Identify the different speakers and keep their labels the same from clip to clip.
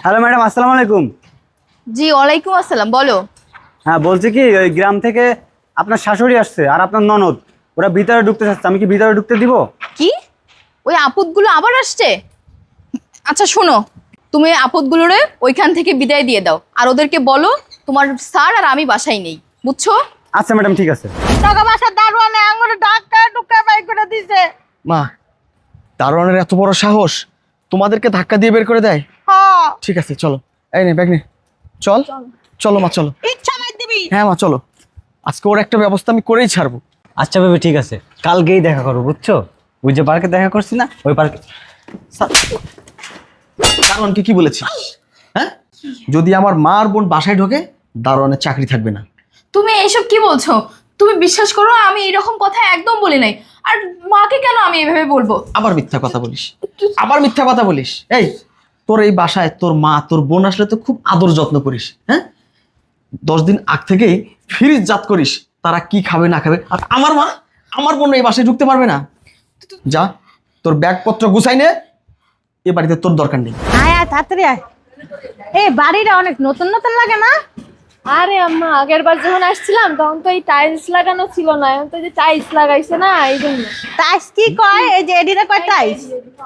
Speaker 1: Hello madam, আসসালামু আলাইকুম।
Speaker 2: জি ওয়ালাইকুম আসসালাম, বলো।
Speaker 1: হ্যাঁ, বলছি কি ওই গ্রাম থেকে আপনার শাশুড়ি আসছে আর আপনার ননদ, ওরা ভিতরে ঢুকতে চাচ্ছে। আমি কি ভিতরে ঢুকতে দিব?
Speaker 2: কি? ওই আপদগুলো আবার আসছে? আচ্ছা শোনো, তুমি আপদগুলোরে ওইখান থেকে বিদায় দিয়ে দাও, আর ওদেরকে বলো তোমার স্যার আর আমি বাসায় নেই, বুঝছো?
Speaker 1: আচ্ছা ম্যাডাম, ঠিক আছে।
Speaker 3: টাকা পয়সা দারোয়ানে আঙুলে ধাক্কা টুক্কা বাই করে দিছে।
Speaker 4: মা, দারোয়ানের এত বড় সাহস তোমাদেরকে ধাক্কা দিয়ে বের করে দেয়?
Speaker 3: হ্যাঁ,
Speaker 4: ঠিক আছে চলো, এই নে ব্যাগ নে, চল চলো মা চলো।
Speaker 3: ইচ্ছা মার দিবি।
Speaker 4: হ্যাঁ মা চলো, আজকে ওর একটা ব্যবস্থা আমি করেই ছাড়বো।
Speaker 1: আচ্ছা বেবি, ঠিক আছে, কালকেই দেখা করবো, বুঝছো? ওই যে পার্কে দেখা করছি না, ওই পার্কে।
Speaker 4: দারোয়ানকে কি বলেছি? হ্যাঁ, যদি আমার মা আর বোন বাসায় ঢোকে দারোয়ানের চাকরি থাকবে না।
Speaker 2: তুমি এইসব কি বলছো? তুমি বিশ্বাস করো, আমি এরকম কথা একদম বলি নাই। আর মাকে কেন আমি এভাবে বলবো?
Speaker 4: আবার মিথ্যা কথা বলিস, আবার মিথ্যা কথা বলিস। এই, তোর এই বাসায় তোর মা তোর বোন আসলে তো খুব আদর যত্ন করিস। হ্যাঁ, 10 দিন আগ থেকেই ফ্রিজ জাত করিস তারা কি খাবে না খাবে। আর আমার মা আমার বোন এই বাসায় ঢুকতে পারবে না। যা, তোর ব্যাগপত্র গুছাই নে, এ বাড়িতে তোর দরকার নেই।
Speaker 3: আয় আয় তাড়াতাড়ি আয়। এই বাড়িটা অনেক নতুন নতুন লাগে না?
Speaker 5: আরে আম্মা, আগের বার যখন আসছিলাম তখন তো এই টাইলস লাগানো ছিল না, এখন তো এই যে টাইলস লাগাইছে না, এই জন্য।
Speaker 3: টাইস কি কয়? এই যে এডিটা কয় টাইস।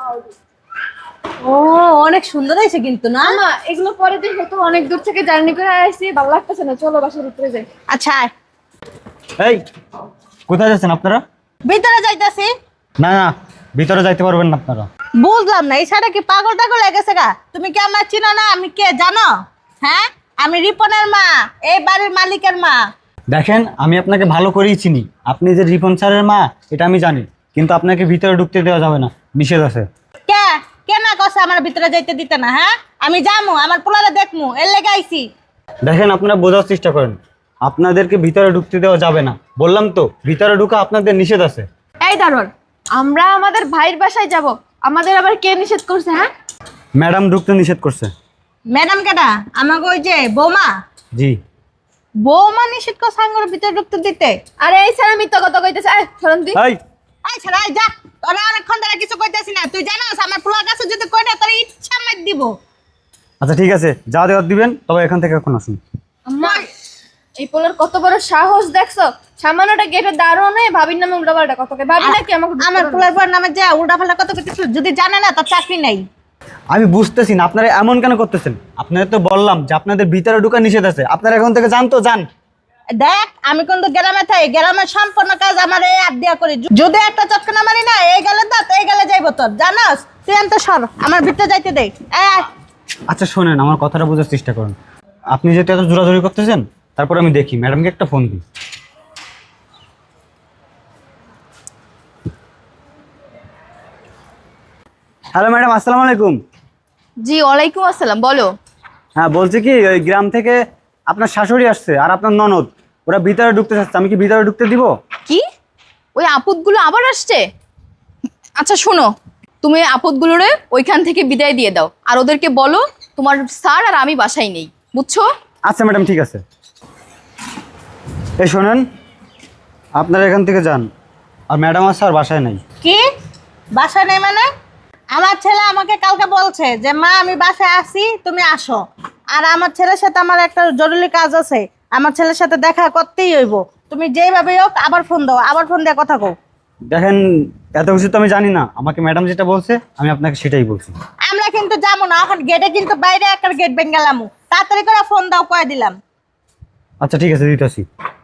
Speaker 3: ও, অনেক সুন্দর হয়েছে কিন্তু না?
Speaker 5: আম্মা এগুলো পরে দেখো, তো অনেক দূর থেকে জার্নি করে আসছি, ভালো লাগতেছে না, চলো বাসার উপরে যাই।
Speaker 3: আচ্ছা আয়।
Speaker 1: এই, কোথায় যাচ্ছেন আপনারা?
Speaker 3: ভিতরে যাইতাছি।
Speaker 1: না না, ভিতরে যাইতে পারবেন না আপনারা।
Speaker 3: বুঝলাম না, এই সাইডে কি পাগল টাগল হয়ে গেছে গা? তুমি কি আমার চিনো না? আমি কে জানো? হ্যাঁ, আমি রিপনের মা, এই বাড়ির মালিকের মা।
Speaker 1: দেখেন, আমি আপনাকে ভালো করেই চিনি। আপনি যে রিপন স্যারের মা এটা আমি জানি, কিন্তু আপনাকে ভিতরে ঢুকতে দেওয়া যাবে না, নিষেধ আছে।
Speaker 3: কে কে না কছে আমার ভিতরে যাইতে দিতে না? হ্যাঁ, আমি যামু, আমার পোলারে দেখমু, এর লেগে আইছি।
Speaker 1: দেখেন, আপনারা বোঝার চেষ্টা করেন, আপনাদেরকে ভিতরে ঢুকতে দেওয়া যাবে না। বললাম তো, ভিতরে ঢুকা আপনাদের নিষেধ আছে।
Speaker 5: এই দারোয়ান, আমরা আমাদের ভাইয়ের বাসায় যাব, আমাদের আবার কে নিষেধ করছে? হ্যাঁ,
Speaker 1: ম্যাডাম ঢুকতে নিষেধ করছে।
Speaker 3: ম্যাডাম কেডা? আমাকে ওই যে বৌমা।
Speaker 1: জি।
Speaker 3: বৌমা নিষেধ করছে আঙ্গুর ভিতরে ঢুকতে দিতে?
Speaker 5: আরে এই স্যার মিথ্যা কথা কইতেছে, এই শরণ দি।
Speaker 1: এই,
Speaker 3: আই ছাড়া যা, তোরা অনেকক্ষণ ধরে কিছু কইতাছি না। তুই জানোস আমার পোলার কাছে যদি কই না তোর ইচ্ছা মার দিব।
Speaker 1: আচ্ছা ঠিক আছে, যা দেওয়ার দিবেন, তবে এখান থেকে এখন আসুন।
Speaker 5: আম্মা, এই পোলার কত বড় সাহস দেখছো? সামান্যটা গেটের দারোয়ান হয়ে ভাবির নামে উল্টাপাল্টা কথা কয়। ভাবি নাকি আমাকে
Speaker 3: আমার পোলার পর নামে যা উল্টাপাল্টা কত কইতেছ, যদি জানে না তোর চাকরি নাই।
Speaker 1: আমি বুঝতেছি না আপনারা এমন কেন করতেছেন। আপনাদের তো বললাম যে আপনাদের ভিতরে ঢুকা নিষেধ আছে, আপনারা এখন থেকে যান তো যান।
Speaker 3: দেখ, আমি কিন্তু গ্রামে থাই, গ্রামের সম্পূর্ণ কাজ আমার এই হাত দিয়া করি। যদি একটা চটকানা মারি না, এই গেলে দাঁত এই গেলে যাইব তোর, জানোস? তুই আনতে সর, আমার ভিতরে যাইতে দে।
Speaker 1: আচ্ছা শোনেন, আমার কথাটা বোঝার চেষ্টা করুন। আপনি যেহেতু এত জোরাজোরি করতেছেন, তারপর আমি দেখি ম্যাডামকে একটা ফোন দিই। হ্যালো ম্যাডাম, আসসালামু আলাইকুম।
Speaker 2: জি ওয়ালাইকুম আসসালাম, বলো।
Speaker 1: হ্যাঁ, বলছি কি ওই গ্রাম থেকে আপনার শাশুড়ি আসছে আর আপনার ননদ, ওরা ভিতরে ঢুকতে চাচ্ছে। আমি কি ভিতরে ঢুকতে দিব?
Speaker 2: কি? ওই আপদগুলো আবার আসছে? আচ্ছা শোনো, তুমি আপদগুলোরে ওইখান থেকে বিদায় দিয়ে দাও, আর ওদেরকে বলো তোমার স্যার আর আমি বাসায় নেই, বুঝছো?
Speaker 1: আচ্ছা ম্যাডাম, ঠিক আছে। এই শোনেন, আপনারা এখান থেকে যান, আর ম্যাডাম আর স্যার বাসায় নেই।
Speaker 3: কি বাসা নেই মানে? আমার ছেলে আমাকে কালকে বলছে যে মা আমি বাসায় আসি, তুমি আসো। আর আমার ছেলের সাথে আমার একটা জরুরি কাজ আছে, আমার ছেলের সাথে দেখা করতেই হইব। তুমি যেভাবে হোক আবার ফোন দাও, আবার ফোন দিয়ে কথা কও।
Speaker 1: দেখেন, এত কিছু তো আমি জানি না, আমাকে ম্যাডাম যেটা বলছে আমি আপনাকে সেটাই বলছি।
Speaker 3: আমরা কিন্তু যাবো না এখন, গেটে কিন্তু বাইরে একটা গেট বেঙ্গালাম। তাড়াতাড়ি করে ফোন দাও, কয়ে দিলাম।
Speaker 1: আচ্ছা ঠিক আছে, দিতেছি।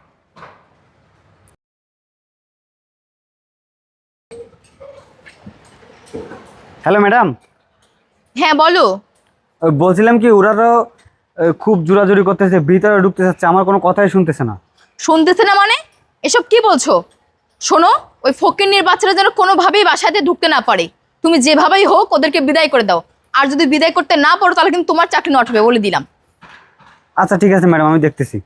Speaker 1: Hello madam.
Speaker 2: হ্যাঁ বলো।
Speaker 1: বলছিলাম কি, ওরাও খুব জোরাজুরি করতেছে, ভিতরে ঢুকতে চাচ্ছে, আমার কোনো কথাই শুনতেছে না।
Speaker 2: শুনতেছে না মানে? এসব কি বলছো? শোনো, ওই ফকিন্নির বাচ্চারা যেন কোনোভাবেই বাসাতে ঢুকতে না পারে। তুমি যেভাবেই হোক ওদেরকে বিদায় করে দাও, আর যদি বিদায় করতে না পারো তাহলে কিন্তু তোমার চাকরি নট হবে, বলে দিলাম।
Speaker 1: আচ্ছা ঠিক আছে ম্যাডাম, আমি দেখতেছি।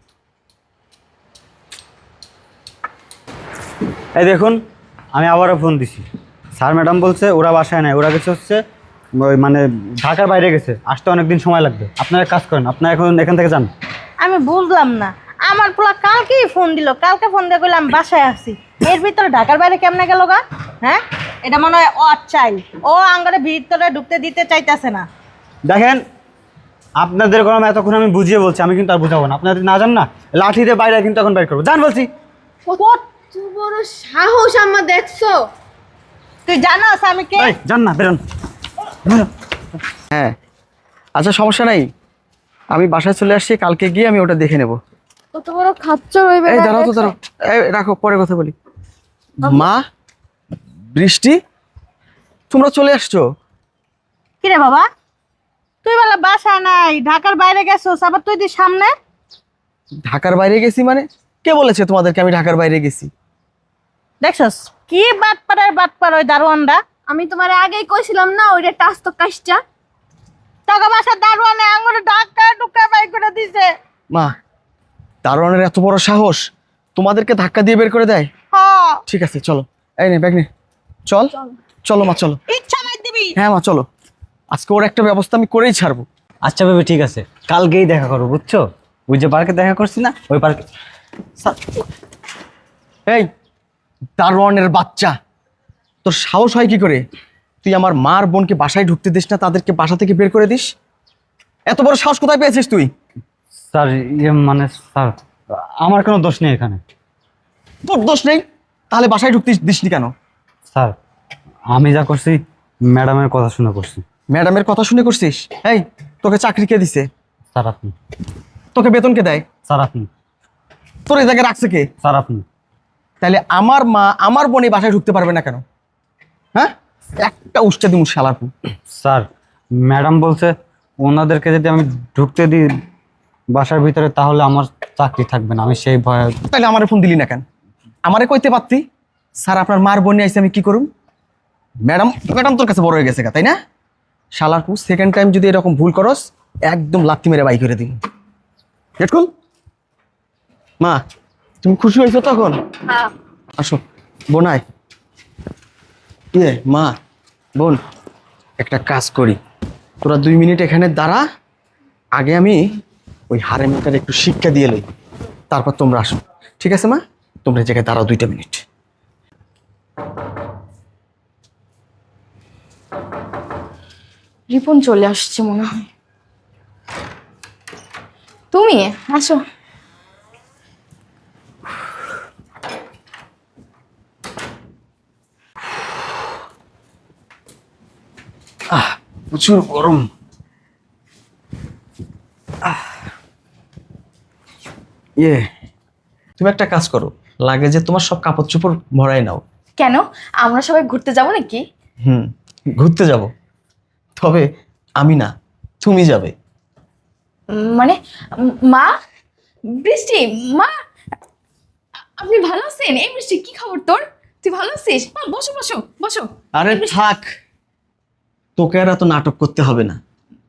Speaker 1: এই দেখুন, আমি আবারও ফোন দিছি। স্যার ম্যাডাম বলছে ওরা বাসায় নাই, ওরা কিছু হচ্ছে ওই মানে ঢাকার বাইরে গেছে, আসতে অনেকদিন সময় লাগবে। আপনারা কাজ করেন, আপনারা এখন এখান থেকে যান।
Speaker 3: আমি বুঝলাম না, আমার পোলা কালকেই ফোন দিল, কালকে ফোন দিয়ে কইলাম বাসায় আসি, এর ভিতরে ঢাকার বাইরে কেমনে গেল গা? হ্যাঁ, এটা মনে হয় ও চাই, ও আঙ্গারে ভিতরে ঢুকতে দিতে চাইতেছে না।
Speaker 1: দেখেন, আপনাদের গরম এতক্ষণ আমি বুঝিয়ে বলছি, আমি কিন্তু আর বুঝাবো না। আপনাদের না জান না, লাঠিতে বাইরে কিন্তু এখন বাইর করবো, জান বলছি।
Speaker 5: কত বড় সাহস আম্মা দেখছো?
Speaker 3: তুই জানোস আমি কে?
Speaker 1: এই জান না, বেরোন বেরোন।
Speaker 4: হ্যাঁ, আচ্ছা সমস্যা নাই, আমি বাসায় চলে আসছি, কালকে গিয়ে আমি ওটা দেখে নেব।
Speaker 5: কত বড় খাচ্চর হইবে।
Speaker 4: এই দাঁড়াও তো, দাঁড়াও, এই রাখো, পরে কথা বলি। মা, বৃষ্টি, তোমরা চলে আসছো?
Speaker 3: কিরে বাবা, তুই বলে বাসায় নাই, ঢাকার বাইরে গেছোস, আবার তুই তুই সামনে।
Speaker 4: ঢাকার বাইরে গেছি মানে? কে বলেছে তোমাদেরকে আমি ঢাকার বাইরে গেছি?
Speaker 3: দেখছস কি বাটপার ওই দারোয়ানটা।
Speaker 5: আমি তোমার আগেই কইছিলাম না ওইটা টাচ তো কাজটা।
Speaker 3: টাকা বাসার দারোয়ানে আঙুলে ঢাকা ঢুকা বাই করে দিছে।
Speaker 4: মা, দারোয়ানের এত বড় সাহস তোমাদেরকে ধাক্কা দিয়ে বের করে দেয়?
Speaker 3: হ,
Speaker 4: ঠিক আছে চলো, এই নে ব্যাগ নে, চল চলো মা, চলো।
Speaker 3: ইচ্ছা মার দিবি।
Speaker 4: হ্যাঁ মা চলো, আজকে ওর একটা ব্যবস্থা আমি করেই ছাড়বো।
Speaker 1: আচ্ছা বেবি ঠিক আছে, কালকেই দেখা করবো, বুঝছো? ওই যে পার্কে দেখা করছি না, ওই পার্কে।
Speaker 4: এই দারোয়ানের বাচ্চা, তোর সাহস হয় কি করে? তুই আমার মার বোনকে বাসায় ঢুকতে দিস না, তাদেরকে বাসা থেকে বের করে দিস? এত বড় সাহস কোথায় পেয়েছিস তুই?
Speaker 1: স্যার মানে স্যার, আমার কোনো দোষ নেই এখানে।
Speaker 4: তোর দোষ নেই, তাহলে বাসায় ঢুকতে দিসনি কেন?
Speaker 1: স্যার আমি যা করছি ম্যাডামের কথা শুনে করছি।
Speaker 4: ম্যাডামের কথা শুনে করছিস? এই তোকে চাকরি কে দিছে?
Speaker 1: স্যার আপনি।
Speaker 4: তোকে বেতন কে দেয়?
Speaker 1: স্যার আপনি।
Speaker 4: তোর এই জায়গায় রাখছে কে?
Speaker 1: স্যার আপনি।
Speaker 4: তাহলে আমার মা আমার বোন এই বাসায় ঢুকতে পারবে না কেন? হ্যাঁ, একটা উষ্টা দিমু শালারপু।
Speaker 1: স্যার ম্যাডাম বলছে ওনাদেরকে যদি আমি ঢুকতে দিই বাসার ভিতরে তাহলে আমার চাকরি থাকবে না, আমি সেই ভয়ে।
Speaker 4: তাহলে আমারে ফোন দিলি না কেন? আমারে কইতে পারতি, স্যার আপনার মার বোন আইছে, আমি কি করুম? ম্যাডাম ম্যাডাম তোর কাছে বড় হয়ে গেছে গা, তাই না? শালারপু, সেকেন্ড টাইম যদি এরকম ভুল করস একদম লাত্তি মেরে বাই করে দিন। গেট খুল। মা, তুমি খুশি হয়েছো তখন?
Speaker 5: হ্যাঁ।
Speaker 4: আসো বোন, আয়। ইয়ে মা, বোন, একটা কাজ করি, তোরা 2 মিনিট এখানে দাঁড়া, আগে আমি ওই হারেমটার একটু শিক্ষা দিয়ে লই, তারপর তোমরা আসো, ঠিক আছে মা? তোমরা এই জায়গায় দাঁড়াও 2টা মিনিট।
Speaker 2: রিপন চলে আসছে মনে হয়। তুমি আসো।
Speaker 1: প্রচুর গরম।
Speaker 4: ইয়ে, তুমি একটা কাজ করো, লাগে যে তোমার সব কাপড় চোপড় ভরাই নাও।
Speaker 2: কেন, আমরা সবাই ঘুরতে যাব নাকি?
Speaker 4: ঘুরতে যাব, তবে আমি না, তুমি যাবে।
Speaker 2: মানে মা, বৃষ্টি, মা আপনি ভালো আছেন? এই বৃষ্টি কি খবর তোর? তুই ভালো আছিস? মা বসো বসো বসো।
Speaker 4: আরে থাক, তোকে আর এত নাটক করতে হবে না।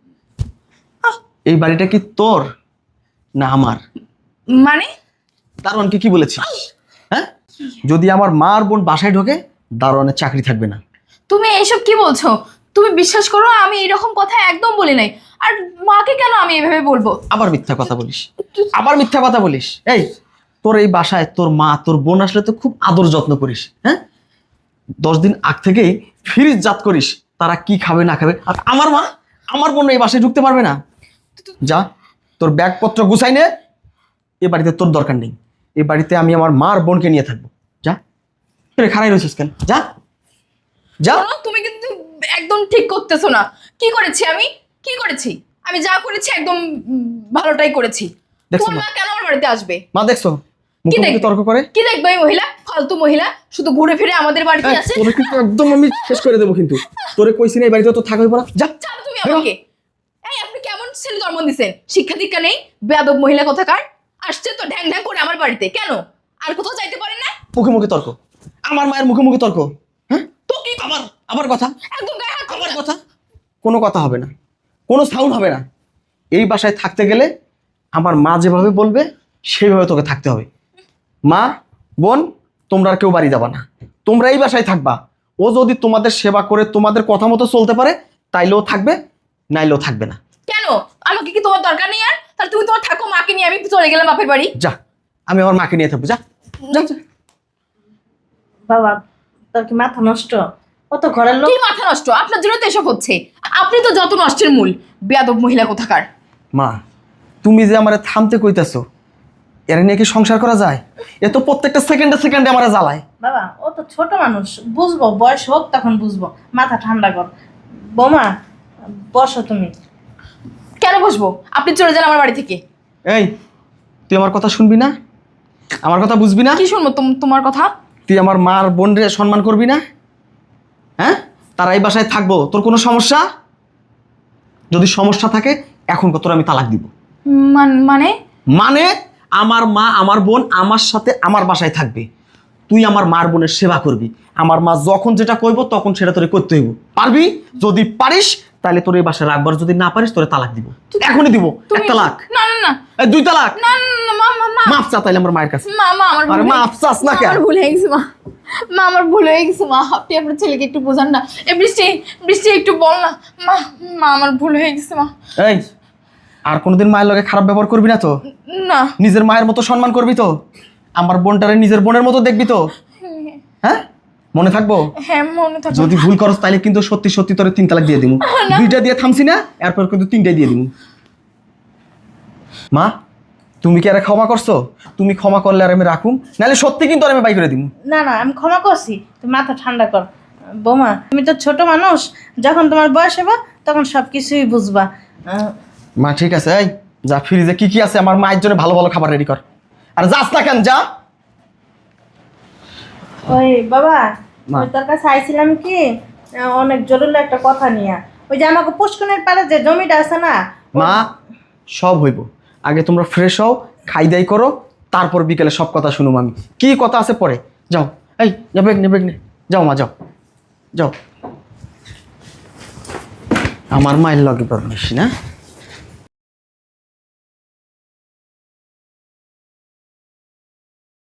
Speaker 4: এই বাড়িটা কি তোর না আমার?
Speaker 2: মানে
Speaker 4: দারোয়ানকে কি বলেছিস? হ্যাঁ, যদি আমার মা আর বোন বাসায় ঢোকে দারোয়ানের চাকরি থাকবে না।
Speaker 2: তুমি এইসব কি বলছো? তুমি বিশ্বাস করো আমি এরকম কথা একদম বলি নাই। আর মাকে কেন আমি এভাবে বলবো?
Speaker 4: আবার মিথ্যা কথা বলিস, আবার মিথ্যা কথা বলিস। এই তোর এই বাসায় তোর মা তোর বোন আসলে তো খুব আদর যত্ন করিস। হ্যাঁ, 10 দিন আগ থেকেই ফ্রিজ জাত করিস তারা কি খাবে না খাবে। আর আমার মা আমার বোন এই বাসায় ঢুকতে পারবে না। যা, তোর ব্যাগপত্র গুছাই নে, এ বাড়িতে তোর দরকার নেই। এই বাড়িতে আমি আমার মা আর বোনকে নিয়ে থাকবো। যা, তুই খারাই রয়েছিস কেন? যা যা।
Speaker 2: শোনো, তুমি কিন্তু একদম ঠিক করতেছো না। কি করেছি আমি? কি করেছি? আমি যা করেছি একদম ভালোটাই করেছি।
Speaker 4: দেখছো
Speaker 2: তোমার
Speaker 4: না?
Speaker 2: মা কেন আমার বাড়িতে আসবে?
Speaker 4: মা দেখছো
Speaker 2: কি
Speaker 4: মুখে
Speaker 2: দেখবে?
Speaker 4: তর্ক করে।
Speaker 2: কি দেখবে এই মহিলা? ফালতু মহিলা, শুধু ঘুরে ফিরে আমাদের বাড়িতে
Speaker 4: এই,
Speaker 2: আসে।
Speaker 4: তোরে কিন্তু একদম আমি শেষ করে দেবো কিন্তু। তোরে কইছি না এই বাড়িতে তো থাকবে না। যা।
Speaker 2: জানো তুমি আমাকে? এই আপনি কেমন ছেলে জন্ম দিছেন? শিক্ষা দীক্ষা নেই, বেয়াদব মহিলা কোথাকার। আসছে তো ঢ্যাং ঢ্যাং করে আমার বাড়িতে। কেন? আর কোথাও যাইতে পারেন না?
Speaker 4: মুখে মুখে তর্ক, আমার মায়ের মুখে মুখে তর্ক। হ্যাঁ,
Speaker 2: তো কি
Speaker 4: আবার আবার কথা,
Speaker 2: একদম গায়ে হাত
Speaker 4: আবার কথা। কোনো কথা হবে না, কোনো সাউন্ড হবে না। এই বাসায় থাকতে গেলে আমার মা যেভাবে বলবে সেইভাবে তোকে থাকতে হবে। মা, বোন, তোমরা আর কেউ বাড়ি যাবা না, তোমরা এই বাসায় থাকবা। ও যদি তোমাদের সেবা করে তোমাদের কথা মতো চলতে পারে তাইলেও থাকবে, নাইলেও থাকবে না।
Speaker 2: কেন? আমাকে কি তোমার দরকার নেই আর? তাহলে তুমি তোমার থাকো, মাকে নিয়ে আমি চলে গেলাম বাপের বাড়ি।
Speaker 4: যা, আমি আমার মাকে নিয়ে থাকবো। যা যা যা।
Speaker 3: বাবা, তোর কি মাথা নষ্ট? কত ঘরের লোক।
Speaker 2: কি মাথা নষ্ট? আপনার জন্য তো এসব হচ্ছে। আপনি তো যত নষ্টের মূল, বেয়াদব মহিলা কোথাকার।
Speaker 4: মা তুমি যে আমারে থামতে কইতাছো এর নিয়ে কি সংসার করা যায়? এ তো প্রত্যেকটা সেকেন্ডে সেকেন্ডে আমারে জ্বালায়।
Speaker 3: বাবা ও তো ছোট মানুষ, বুঝবো, বয়স হোক তখন বুঝবো। মাথা ঠান্ডা কর। বৌমা বসো তুমি।
Speaker 2: কেন বসবো? আপনি চলে যান আমার বাড়ি থেকে।
Speaker 4: এই তুই আমার কথা শুনবি না? আমার কথা বুঝবি না?
Speaker 2: কি শুনবো তোমার কথা?
Speaker 4: তুই আমার মার বোনরে সম্মান করবি না? হ্যাঁ, তারা এই বাসায় থাকবো, তোর কোনো সমস্যা? যদি সমস্যা থাকে এখন তোর আমি তালাক দিব।
Speaker 2: মানে
Speaker 4: মানে আমার মা আমার বোন আমার সাথে আমার বাসায় থাকবে, তুই আমার মার বোনের সেবা করবি, আমার মা যখন যেটা কইব তখন সেটা তোরে করতে হইব। পারবি? যদি পারিস তাহলে তোর এই বাসায় রাখবার, যদি না পারিস তোরে তালাক দিব, এখনই দিব। এক তালাক,
Speaker 2: না না না
Speaker 4: এই 2 তালাক।
Speaker 2: না না মা মা মা
Speaker 4: মাফ চা তাইলে আমার মায়ের কাছে।
Speaker 2: মা মা আমার
Speaker 4: আরে মাফ চাস না কেন?
Speaker 2: আমার ভুল হয়ে গেছে মা। মা আমার ভুল হয়ে গেছে মা। আপনি আপনার ছেলেকে একটু বোঝান না। এই বৃষ্টি বৃষ্টি একটু বল না মা। মা আমার ভুল হয়ে গেছে মা।
Speaker 4: এই আর কোনোদিন মায়ের লগে খারাপ ব্যবহার করবি না তো?
Speaker 2: না।
Speaker 4: নিজের মায়ের মতো সম্মান করবি তো? আমার বোনটারে নিজের বোনের মতো দেখবি তো? হ্যাঁ, মনে থাকবো?
Speaker 2: হ্যাঁ মনে থাকবে।
Speaker 4: যদি ভুল করস তাহলে কিন্তু সত্যি সত্যি তোরে 3 তালাক দিয়ে দিব। 2টা দিয়ে থামছি না, এরপর কিন্তু 3টাই দিয়ে দিব। মা তুমি কি আরে ক্ষমা করছো? তুমি ক্ষমা করলে আর আমি রাখুম, নাহলে সত্যি কিন্তু আর আমি বাই করে দিব।
Speaker 3: না না আমি ক্ষমা করছি, তুমি মাথা ঠান্ডা কর। বৌমা তুমি তো ছোট মানুষ, যখন তোমার বয়স হবে তখন সব কিছুই বুঝবা।
Speaker 4: মা ঠিক আছে, এই যা ফ্রিজে কি কি আছে আমার মায়ের জন্য ভালো ভালো খাবার রেডি কর। আর যাস না কেন, যা।
Speaker 3: ওই বাবা,
Speaker 4: মা।
Speaker 3: ওই তোর কাছে আইছিলাম কি অনেক জরুরি একটা কথা নিয়ে। ওই যে আমাকে পুষ্কনের পাড়ে যে জমিটা আছে না,
Speaker 4: মা সব হইব, আগে তোমরা ফ্রেশ হও, খাই দাই করো, তারপর বিকেলে সব কথা শুনুম আমি। কি কথা আছে পরে, যাও। এই নেবে নেবে নে, যাও মা, যাও যাও। আমার মায়ের লগে পারমিস না।